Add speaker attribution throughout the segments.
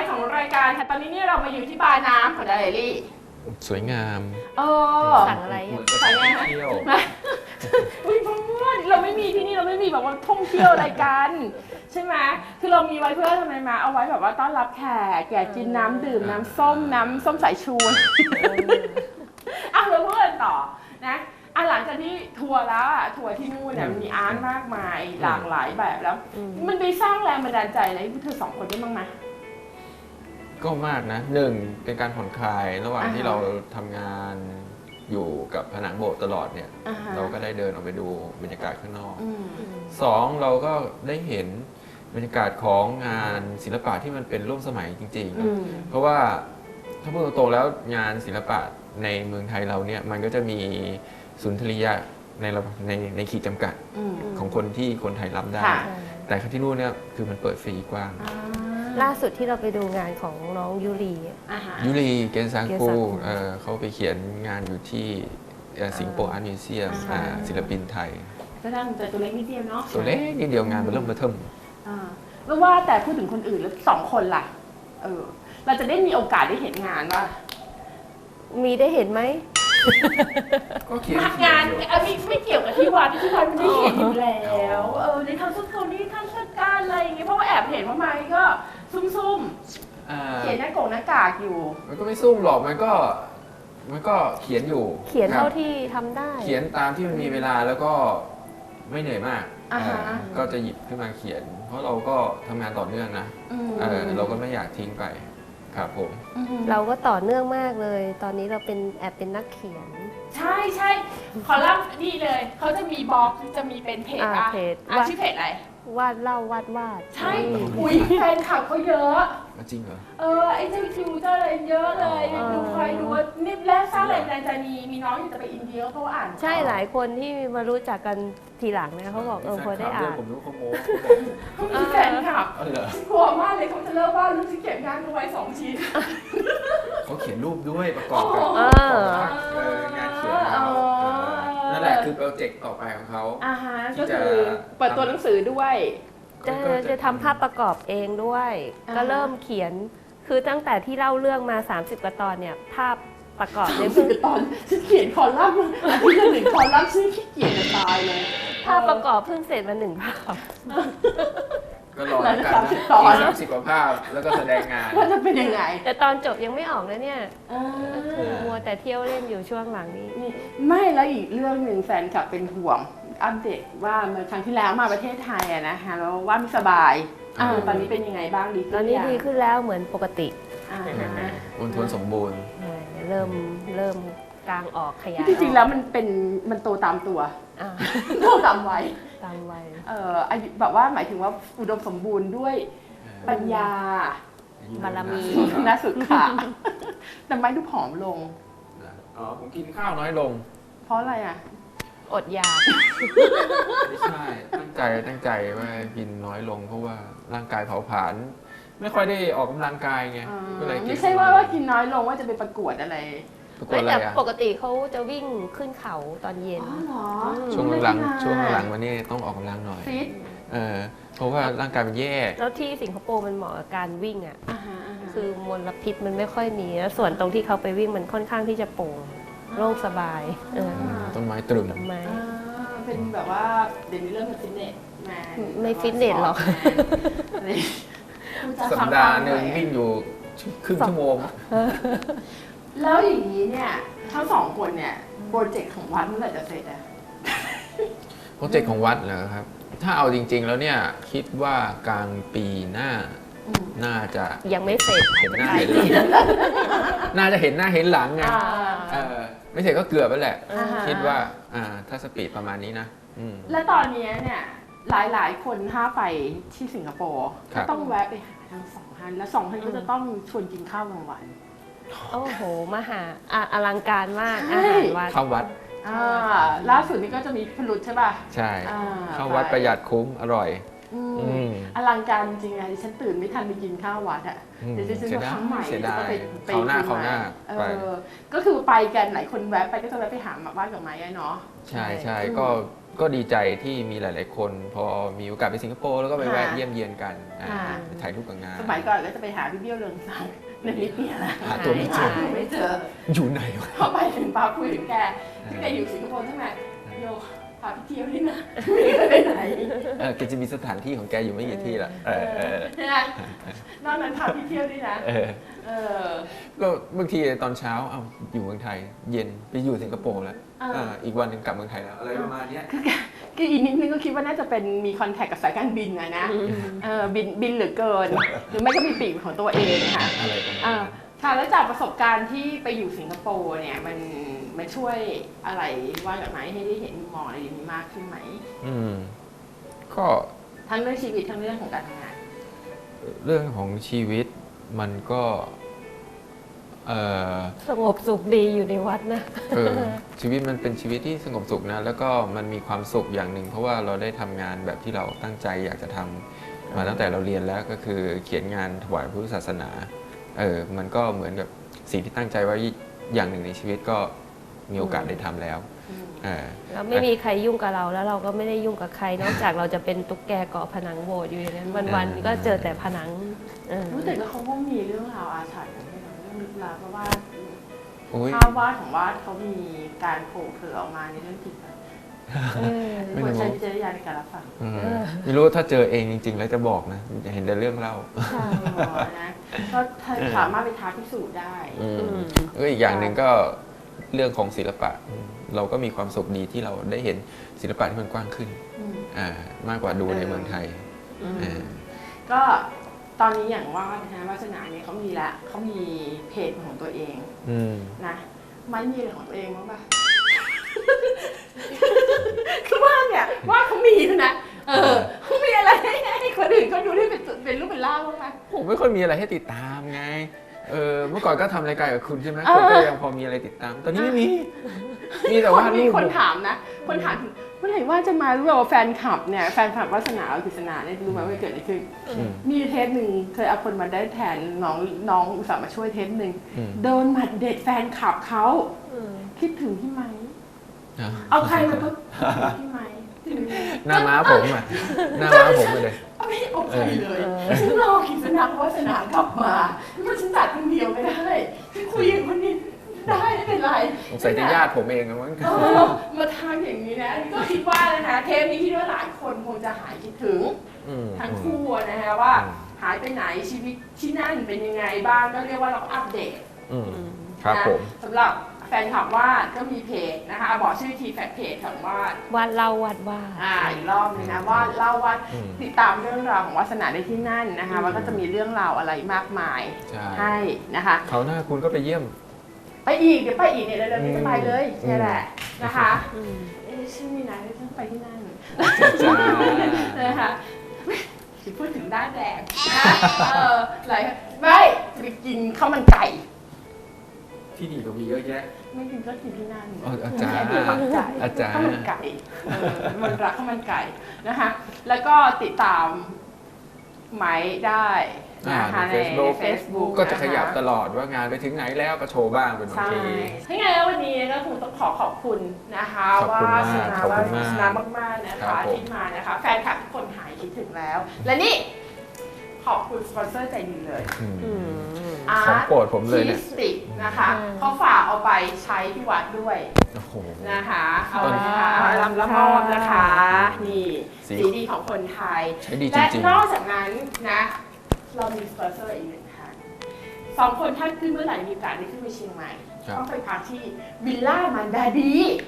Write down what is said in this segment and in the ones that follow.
Speaker 1: ของรายการค่ะตอนนี้เนี่ยเรามาอยู่ที่บาร์น้ำของดาเลลี่
Speaker 2: สวยงาม
Speaker 3: สั่งอะไร
Speaker 1: สั่งไงฮะ
Speaker 2: เที่ยว
Speaker 1: อุ้ยเพื่อนเราไม่มีที่นี่เราไม่มีแบบว่าท่องเที่ยวอะไรกันใช่ไหมคือเรามีไว้เพื่อทำไมมาเอาไว้แบบว่าต้อนรับแขกแกกินน้ำดื่มน้ำส้มสายชูเราพูดกันต่อนะหลังจากที่ทัวร์แล้วทัวร์ที่นู่นเนี่ยมันมีอาร์ตมากมายหลากหลายแบบแล้วมันไปสร้างแรงบันดาลใจอะไรให้พวกเธอสองคนได้บ้างไหม
Speaker 2: ก็มากนะหนึ่งเป็นการผ่อนคลายระหว่างที่เราทำงานอยู่กับผนังโบสถ์ตลอดเนี่ยเราก็ได้เดินออกไปดูบรรยากาศข้างนอกสองเราก็ได้เห็นบรรยากาศของงานศิลปะที่มันเป็นร่วมสมัยจริงๆเพราะว่าถ้าพูดตรงๆแล้วงานศิลปะในเมืองไทยเราเนี่ยมันก็จะมีสุนทรียะในขีดจำกัดของคนไทยรับได้แต่ที่นู่นเนี่ยคือมันเปิดฟรีกว้าง
Speaker 3: ล่าสุดที่เราไปดูงานของน้องยูรี
Speaker 2: เกนซังกูเขาไปเขียนงานอยู่ที่สิงคโปร์อาร์ตมิวเซียมศิลปินไทย
Speaker 1: ก็ตั้งแต่ตัวเล็กนิดเดียวเนาะ
Speaker 2: ตัวเล็กนิดเดียวงานมันเริ่มมาเทิม
Speaker 1: ไม่ว่าแต่พูดถึงคนอื่นแล้วสองคนล่ะเราจะได้มีโอกาสได้เห็นงานว่า
Speaker 3: มีได้เห็นไหม
Speaker 2: ก็เขียน
Speaker 1: งานไม่เกี่ยวกับที่วัดมันได้เห็นอยู่แล้วในทางสุดโทนี่ทางสุดการอะไรอย่างเงี้ยเพราะว่าแอบเห็นว่าไม้ก็ซุ่มเขียนหน้ากากอยู่
Speaker 2: มันก็ไม่ซุ่มหรอกมันก็เขียนอยู่
Speaker 3: เขียนเท่าที่ทำได้
Speaker 2: เขียนตามที่มันมีเวลาแล้วก็ไม่เหนื่อยมากก็จะหยิบขึ้นมาเขียนเพราะเราก็ทำงานต่อเนื่องนะเราก็ไม่อยากทิ้งไปครับผม
Speaker 3: เราก็ต่อเนื่องมากเลยตอนนี้เราแอบเป็นนักเขียน
Speaker 1: ใช่ขอเล่าดีเลยเขาจะมีบล็อกจะมีเป็นเพจชื่อเพจอะไร
Speaker 3: วาดเล่าวาด
Speaker 1: ใช่อุ้ยแฟนคลับเขาเยอะ
Speaker 2: จริงเหรอ
Speaker 1: ไอ้เจ้าคิวเจ้าอะไรเยอะเลยดูคอยดูว่านี่แรกสร้างแรงบันดาลใจมีน้องอยู่จะไปอินเดียเขาอ่าน
Speaker 3: ใช่หลายคนที่มารู้จักกันทีหลังเนี่ยเขาบอกพอได้อ่าน
Speaker 2: ผมรู้เขาโม้
Speaker 1: เขามีแฟนคลับกลัวมากเลยเขาจะเลิกว่าลูกที่เก็บงานเอาไว้2 ชิ้น
Speaker 2: เขาเขียนรูปด้วยประกอบกับงานเขียนนั่นแหละคือโปรเจกต์ต่อไปของเขา
Speaker 1: ก็คือเปิดตัวหนังสือด้วย
Speaker 3: จะทำภาพประกอบเองด้วยก็เริ่มเขียนคือตั้งแต่ที่เล่าเรื่องมา30 กว่าตอนเนี่ยภาพประกอบใน
Speaker 1: ตอนฉันเขียนคอลัมน์อาทิตย์ละ1 คอลัมน์ชื่อขี้เกียจจะตายเลย
Speaker 3: ภาพประกอบเพิ่งเสร็จมา1 ภาพ
Speaker 2: ก็รอกันนะ30 กว่าภาพแล้วก็แสดงงาน
Speaker 1: ว่าจะเป็นยังไง
Speaker 3: แต่ตอนจบยังไม่ออกเลยเนี่ยคือมัวแต่เที่ยวเล่นอยู่ช่วงหลังนี้
Speaker 1: ไม่แล้วอีกเรื่องหนึ่งแฟนคลับเป็นห่วงอัปเดตว่าเมื่อครั้งที่แล้วมาประเทศไทยนะคะแล้วว่าไม่สบายตอนนี้เป็นยังไงบ้างดีขึ้น
Speaker 3: ตอนนี้ดีขึ้นแล้วเหมือนปกติ
Speaker 2: อุ่นทนสมบูรณ์
Speaker 3: เริ่มกลางออกขยาย
Speaker 1: จริงๆแล้วมันโตตามตัวโตตามวัยแบบว่าหมายถึงว่าอุดมสมบูรณ์ด้วยปัญญา
Speaker 3: บารมี
Speaker 1: น่าสุดค่ะแต่ไม่ดูผอมลง
Speaker 2: ผมกินข้าวน้อยลง
Speaker 1: เพราะอะไร
Speaker 3: อดอยาก
Speaker 2: ไม่ใช่ตั้งใจว่ากินน้อยลงเพราะว่าร่างกายเผาผลาญไม่ค่อยได้ออกกำลังกายไงก็เลย
Speaker 1: ไม่ใช่ว่ากินน้อยลงว่าจะไปประกวดอะไร
Speaker 3: แต่ปกติเขาจะวิ่งขึ้นเขาตอนเย็น
Speaker 2: ช่วงหลังวันนี้ต้องออกกำลังหน่อยเพราะว่าร่างกายมันแย่
Speaker 3: แล้วที่สิงคโปร์มันเหมาะกับการวิ่งคือมลพิษมันไม่ค่อยมีแล้วส่วนตรงที่เขาไปวิ่งมันค่อนข้างที่จะโปร่งโล่งสบาย
Speaker 2: ต้นไม้ตรึม
Speaker 1: เป็นแบบว่าเดี๋ยวนี้เริ่มเป็นฟิตเนส
Speaker 3: ไม่ฟิตเนสหรอก
Speaker 2: สัปดาห์นึงวิ่งอยู่ครึ่งชั่วโมง
Speaker 1: แล้วอย่างนี้เนี่ยทั้ง2 คนเนี่ยโปรเจกต์ของวัดเมื่อไหร่จะเสร็จ
Speaker 2: โปรเจกต์ของวัดเหรอครับถ้าเอาจริงๆแล้วเนี่ยคิดว่ากลางปีหน้าน่าจะ
Speaker 3: ยังไม่เสร็จ
Speaker 2: เห็นหน้าเห็นน่าจะเห็นหน้าเห็นหลังไงไม่เสร็จก็เกือบแล้วแหละคิดว่าถ้าสปีดประมาณนี้นะ
Speaker 1: แล้วตอนนี้เนี่ยหลายคนถ้าไปที่สิงคโปร์ก็ต้องแวะไปหาทั้ง2 ท่านแล้ว2 ท่านก็จะต้องชวนกินข้าวกลางวัน
Speaker 3: โอ้โหมหาอลังการมากอาหารวัด
Speaker 2: เข้าวัด
Speaker 1: ล่าสุดนี้ก็จะมีพลุใช่ป่ะ
Speaker 2: ใช่เข้าวัดประหยัดคุ้มอร่อย
Speaker 1: อลังการจริงๆอะดิฉันตื่นไม่ทันไปกินข้าววัดอะเดี๋ยวดิฉันว่าครั้งใหม่
Speaker 2: เสียดาย
Speaker 1: จะไป
Speaker 2: เขาวหน้าเขาวหน้าไป
Speaker 1: ก็คือไปกันหลายคนแวะไปก็จะแวะไปหาบ้านกับไม้เนาะ
Speaker 2: ใช่ก็ดีใจที่มีหลาย ๆ คน พอมีโอกาสไปสิงคโปร์แล้วก็ไปแวะเยี่ยมเยียนกันไปถ่ายรูปกับงาน
Speaker 1: สมัยก่อนก็จะไปหาพี่เบี้ยวเรืองสังในนิดเดียวนะ
Speaker 2: หาตัวไม่เจอ
Speaker 1: ไม่เจอ
Speaker 2: อยู่ไหนวะ
Speaker 1: พอไปถึงปาคุยถึงแกที่แกอยู่สิงคโปร์ใช่ไหมโยพาพี่เที่ยวด้วยนะไม่ได้ไปไหน
Speaker 2: แกจะมีสถานที่ของแกอยู่ไม่กี่ที่ละ
Speaker 1: นะนอกนั้นพาพี่เที่ยวด้วยนะ
Speaker 2: ก็บางทีตอนเช้าเอาอยู่เมืองไทย เย็นไปอยู่สิงคโปร์แล้วอีกวันหนึ่งกลับเมืองไทยแล้วอะไรประมาณนี้
Speaker 1: คืออีกนิดนึงก็คิดว่าน่าจะเป็นมีคอนแทคกับสายการบินนะบินเหลือเกินหรือไม่ก็มีปีกของตัวเองค่ะ
Speaker 2: อะไรประมาณนั้น
Speaker 1: ค่ะแล้วจากประสบการณ์ที่ไปอยู่สิงคโปร์เนี่ยมันช่วยอะไรว่าอย่างไรให้ได้เห็นมุมมองอะไรอย่างนี้มากขึ้นไหม
Speaker 2: ก็
Speaker 1: ทั้งเรื่องชีวิตทั้งเรื่องของการทำงาน
Speaker 2: เรื่องของชีวิตมันก็
Speaker 3: สงบสุขดีอยู่ในวัดนะ
Speaker 2: ชีวิตมันเป็นชีวิตที่สงบสุขนะแล้วก็มันมีความสุขอย่างหนึ่งเพราะว่าเราได้ทำงานแบบที่เราตั้งใจอยากจะทำมาตั้งแต่เราเรียนแล้วก็คือเขียนงานถวายพุทธศาสนามันก็เหมือนกับสิ่งที่ตั้งใจไว้อย่างหนึ่งในชีวิตก็มีโอกาสได้ทำแล้ว
Speaker 3: เราไม่มีใครยุ่งกับเราแล้วเราก็ไม่ได้ยุ่งกับใครนอกจากเราจะเป็นตุ๊กแกเกาะผนังโบสถ์อยู่อย่างนั้นวันๆก็เจอแต่ผนัง
Speaker 1: รู้แต่ก็เขาก็มีเรื่องราวอาถรรพ์เรื่องลึกลับเพราะว่าภาพวาดของวาดเขามีการโผล่เผยออกมาในเรื่องจริงควรใช้วิจารณญาณในการรับฟัง
Speaker 2: ไม่รู้ถ้าเจอเองจริงๆแล้วจะบอกนะเห็นแต่เรื่องเล่า
Speaker 1: นะก็สามารถไปท้าพิสูจน์ได้
Speaker 2: อีกอย่างหนึ่งก็เรื่องของศิลปะเราก็มีความสุขดีที่เราได้เห็นศิลปะที่มันกว้างขึ้นมากกว่าดูในเมืองไทย
Speaker 1: ก็ตอนนี้อย่างว่านะวาสนาเนี่ยเขามีละเขามีเพจของตัวเองนะไม่มีอะไรของตัวเองมั้งป่ะคือว่าเนี่ยว่าเขามีนะเขามีอะไรให้คนอื่นเขาดูที่เป็นรูปเป็นร่างบ้างไหม
Speaker 2: ผมไม่ค่อยมีอะไรให้ติดตามไงเมื่อก่อนก็ทำรายการกับคุณใช่ไหมคนก็ยังพอมีอะไรติดตามตอนนี้ไม่มีแต่ว่า
Speaker 1: มีคนถามนะคนถามเมื่อไหร่ว่าจะมารู้ว่าแฟนคลับเนี่ยแฟนคลับวาสนากิษณาเนี่ยรู้ไหมว่าเกิดอะไรขึ้นมีเทปหนึ่งเคยเอาคนมาได้แทนน้องอุตส่าห์มาช่วยเทปหนึ่งโดนหมัดเด็ดแฟนคลับเขาคิดถึงพี่ไหมเอาใครมาก็พี่ไหม
Speaker 2: หน้าม้าผมอ่ะหน้าม้าผมเลย
Speaker 1: ไม่เอาใครเลยฉันรอกิษณาวาสนากลับมาเพราะฉันจัดคนเดียวไม่ได้ฉันคุยกับคนนี้ได้ไม่เป็นไร
Speaker 2: ใส่จะญาติผมเองนะมั้ง
Speaker 1: มาทำอย่างนี้นะก็คิดว่านะคะเทปนี้คิดว่าหลายคนคงจะหายคิดถึงทั้งคู่นะคะว่าหายไปไหนชีวิตที่นั่นเป็นยังไงบ้างก็เรียกว่าเราอัปเดต
Speaker 2: ครับผม
Speaker 1: สำหรับแฟนคลับวาดก็มีเพจนะคะบอกชื่อทีแฟนเพจของวาด
Speaker 3: เล่าวาด
Speaker 1: อีกรอบนึงนะวาดเล่าวาดติดตามเรื่องราวของวาสนาได้ที่นั่นนะคะว่าก็จะมีเรื่องราวอะไรมากมายให้นะคะ
Speaker 2: เขาหน้าคุณก็ไปเยี่ยม
Speaker 1: ไปอีกเดี๋ยวไปอีกเนี่ยเร็วๆนี้จะไปเลยนี่แหละนะคะชื่อนี่นะต้องไปที่นั่นนะคะพูดถึงด้านแดงอะไรไม่จะไปกินข้าวมันไก่
Speaker 2: ที่นี่ก็มีเยอะแยะ
Speaker 1: ไม่กินก็กินที่นั่น
Speaker 2: อาจารย์ข้าว
Speaker 1: มันไก่มันรักข้าวมันไก่นะคะแล้วก็ติดตามไหมได้
Speaker 2: ใน Facebook ก็จะขยับตลอดว่างานไปถึงไหนแล้วก็โชว์บ้างเป็นบางที
Speaker 1: ถ้าไงแล้ววันนี้ก็คงต้องขอบคุณนะคะว่าสนามากๆนะคะที่มานะคะแฟนคลับทุกคนหายคิดถึงแล้วและนี่ขอบคุณสปอนเซอร์ใจดีเลย
Speaker 2: ของโปรดผมเลยเนี่ย
Speaker 1: สติกนะคะเขาฝากเอาไปใช้ที่วัดด้วยนะคะเอานะคะรับมอบนะคะนี่สีดีของคนไทยและนอกจากนั้นนะเรามีสปอนเซอร์อีกหนึ่งท่าน2 คนท่านขึ้นเมื่อไหร่มีโอกาสได้ขึ้นไปเชียงใหม่ต้องไปพักที่วิลล่ามันดาดี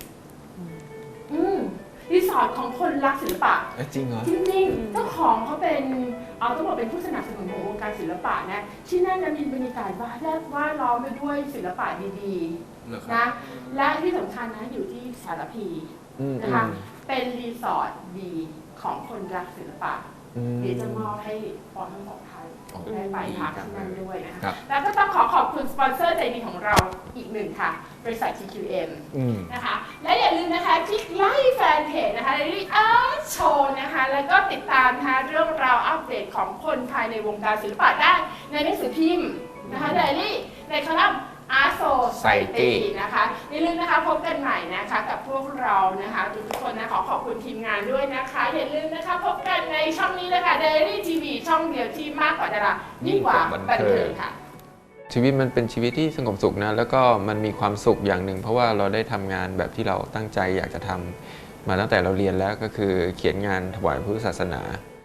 Speaker 1: รีสอร์ทของคนรักศิลปะ
Speaker 2: จริงเหรอ
Speaker 1: จริงๆเจ้าของเขาเป็นต้องบอกเป็นผู้สนับสนุนของวงการศิลปะนะที่นั่นมีบรรยากาศว่าล้อมไปด้วยศิลปะดีๆนะและที่สำคัญนะอยู่ที่สารพีนะคะเป็นรีสอร์ทดีของคนรักศิลปะเดี๋ยวจะมอบให้ปอนทั้งสองท่านได้ไปพักที่นั่นด้วยนะคะ
Speaker 2: ครับ
Speaker 1: แล้วก็ต้องขอบคุณสปอนเซอร์ใจดีของเราอีกหนึ่งค่ะ บริษัท TQM นะคะและอย่าลืมนะคะคลิกไลค์แฟนเพจนะคะ Daily Art Show นะคะแล้วก็ติดตามนะคะเรื่องราวอัปเดตของคนภายในวงการศิลปะได้ในหนังสือพิมพ์นะคะ Daily ในคอลัมน์ Art Society นะคะอย่าลืมนะคะพบกันใหม่นะคะกับพวกเรานะคะทุกๆคนนะขอบคุณทีมงานด้วยนะคะอย่าลืมนะคะพบกันในช่องนี้นะคะ Daily TV ช่องเดียวที่มากกว่าดารายิ่งกว่าบันเทิงค่ะ
Speaker 2: ชีวิตมันเป็นชีวิตที่สงบสุขนะแล้วก็มันมีความสุขอย่างหนึ่งเพราะว่าเราได้ทำงานแบบที่เราตั้งใจอยากจะทำมาตั้งแต่เราเรียนแล้วก็คือเขียนงานถวายพุทธศาสนา